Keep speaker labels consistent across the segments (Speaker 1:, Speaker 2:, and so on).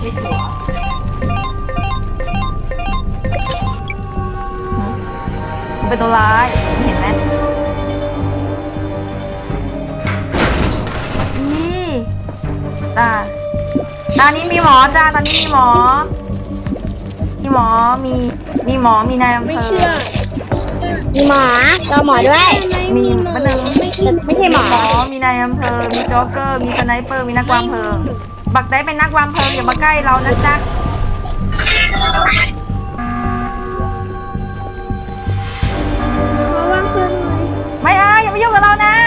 Speaker 1: ไม่หัวมันเป็นตัวร้ายเห็นไหมนี่ตานี้มีหมอจ้าตอนนี้มีหมอมีหมอมีนายอำเภอ
Speaker 2: ไม่เชื่อมีหมอรอหมอด้วย
Speaker 1: มีมันนึง
Speaker 2: ไม่ใช่หมอ
Speaker 1: มีนายอำเภอมีโจ๊กเกอร์มีสไนเปอร์มีนักวางเพลิงบักได้เป็นนักวางเพลิงอย่ามาใกล้เรานะจ๊ะ
Speaker 2: เขาวางเพลิงเลย
Speaker 1: ไม่อย่ามายุ่งกับเรานะ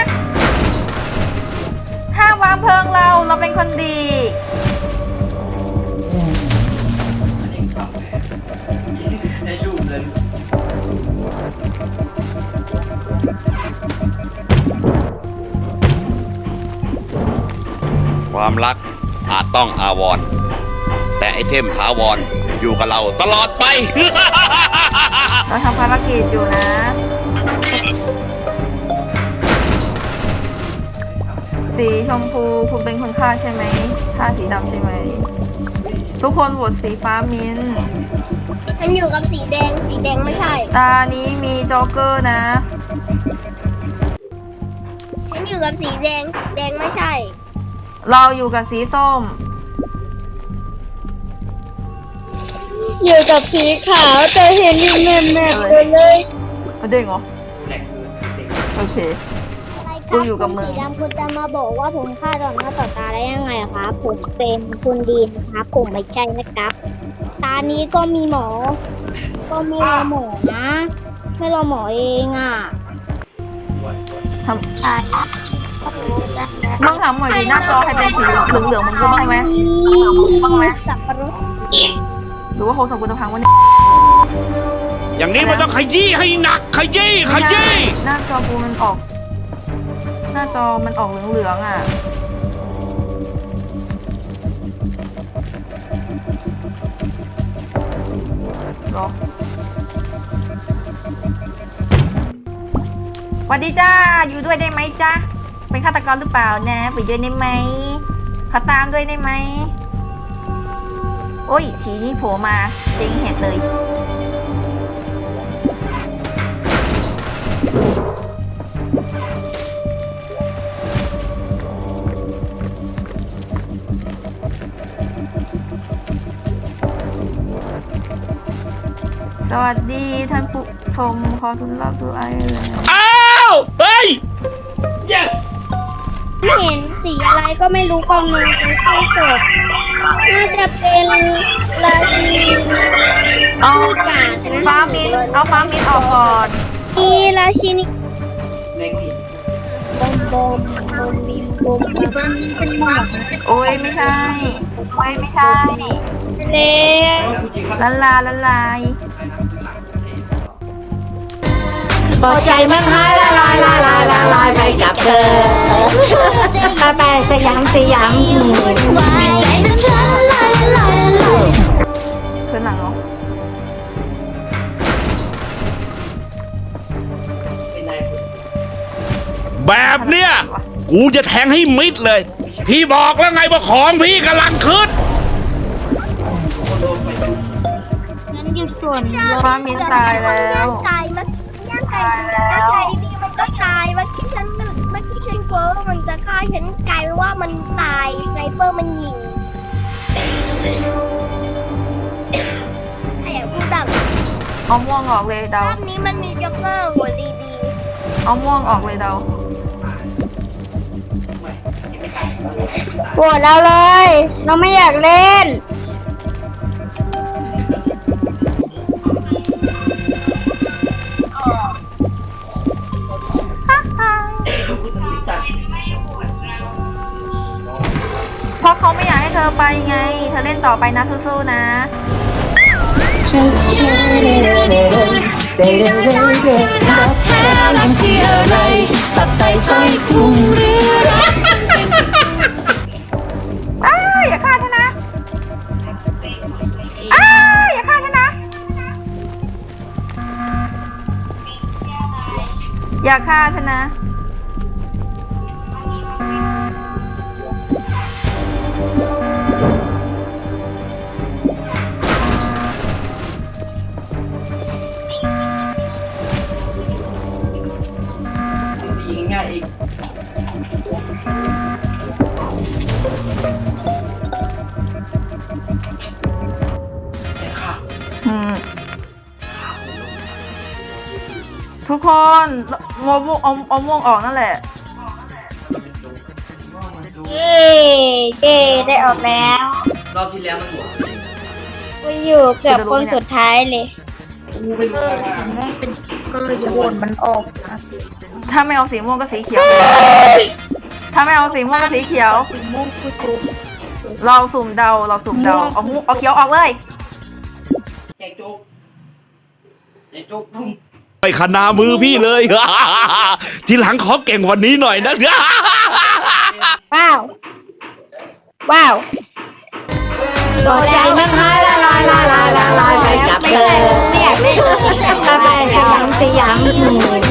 Speaker 1: ห้ามวางเพลิงเราเป็นคนดี
Speaker 3: ความรักอาจต้องอาวรณ์แต่ไอเทมถาวรอยู่กับเราตลอดไป
Speaker 1: เราทำภารกิจอยู่นะสีชมพูคุณเป็นคนฆ่าใช่ไหมฆ่าสีดำใช่ไหมทุกคนโหวตสีฟ้ามิ้น
Speaker 2: ฉันอยู่กับสีแดงไม่ใช่
Speaker 1: ตานี้มีโจ๊กเกอร์นะ
Speaker 2: ฉันอยู่กับสีแดงไม่ใช่
Speaker 1: เราอยู่กับสีส้ม
Speaker 2: อยู่กับสีขาวแต่เห็นอยู่แม่เลย
Speaker 1: เด้งเหรอโอเคกูอยู่กับมึง
Speaker 2: สีดำคุณจะมาบอกว่าผมฆ่าต่อหน้าต่อตาได้ยังไงครับผมเป็นคนดีนะครับผมไม่ใช่นะครับตานี้ก็มีหมอก็ไม่รอหมอนะไม่รอหมอเอง
Speaker 1: ทำมึงถามหน่อยดิหน้าจอใครเป็นสีเหลืองๆมึงรู้บ้างไหม
Speaker 2: สับปะรด
Speaker 1: หรือว่าโฮสังกุลพังวะเนี่ย
Speaker 3: อย่างนี้มันต้องขยี้ให้หนักขยี้
Speaker 1: หน้าจอกูมันออกหน้าจอมันออกเหลืองๆรอสวัสดีจ้าอยู่ด้วยได้ไหมจ้าเป็นฆาตกรหรือเปล่านะไปด้วยได้ไหมเขาตามด้วยได้ไหมโอ้ยฉีนี่โผล่มาเจ๊งเห็ดเลยสวัสดีท่านผู้ชมขอทุนรับดูไอ้เลย
Speaker 3: เฮ้ย
Speaker 2: เห็นสีอะไรก็ไม่รู้กองนึงเป็นข้าวสดน่าจะเป็นราชินี
Speaker 1: เอาฟ้ามินออกก่อน
Speaker 2: มีราชินีบอมบิมเป็นหมอก
Speaker 1: โอ้ยไม่ใช่
Speaker 2: เล่
Speaker 1: ละลาย
Speaker 4: พอใจมันหายละลายไปกับเธอไปสยาม
Speaker 1: ขึ้นหลังเหรอ
Speaker 3: แบบเนี้ยกูจะแทงให้มิดเลยพี่บอกแล้วไงว่าของพี่กำลังขึ้น
Speaker 2: นั่นคือส่วน
Speaker 1: ฟ้ามินตายแล้ว
Speaker 2: ดีมันก็ตายเมื่อกี้ฉันกลัวว่ามันจะฆ่าฉันกลายเป็นว่ามันตายสไนเปอร์มันยิงถ้าอยากพูดแบบ
Speaker 1: เอาม่วงออกเลยเดาร
Speaker 2: อบนี้มันมีจ็อกเกอร์หัวดี
Speaker 1: เอาม่วงออกเลยเดา
Speaker 2: ปวดเราเลยเราไม่อยากเล่น
Speaker 1: เพราะเขาไม่อยากให้เธอไปไงเธอเล่นต่อไปนะสู้ๆนะ
Speaker 4: รักแท้รักที่อะไรตับไตไส้พุงหรือรัก
Speaker 1: อย่าฆ่าฉันนะอย่าฆ่าฉันนะอย่าฆ่าฉันนะทุกคนเอาม่วงเอาม่วงออกนั่นแหละ
Speaker 2: เย้ได้ออกแล้ว
Speaker 5: รอบที่แล้วมันหัว
Speaker 2: กูอยู่เกือบคนสุดท้ายเลย
Speaker 5: กูไม่รู้ว่า
Speaker 2: ก็เลยโหวตมันออก
Speaker 1: ถ้าไม่เอาสีม่วงก็สีเขียว ถ้าไม่เอาสีม่วงก็สีเขียว
Speaker 2: ม่วงกูจุ๊บ
Speaker 1: เราสุ่มเดาเอาม่วงเอาเขียวออกเลย
Speaker 5: แจกโจ๊กแจกโจ๊กทุ่ม
Speaker 3: ไปขนามือพี่เลย ทีหลังขอเก่งกวันนี้หน่อยนะ
Speaker 2: ว้าวว้าว
Speaker 4: หัวใจมันหายละลายละลายละลายไปกับเธอ
Speaker 2: ไม่อยากเล่น
Speaker 4: ไปสยาม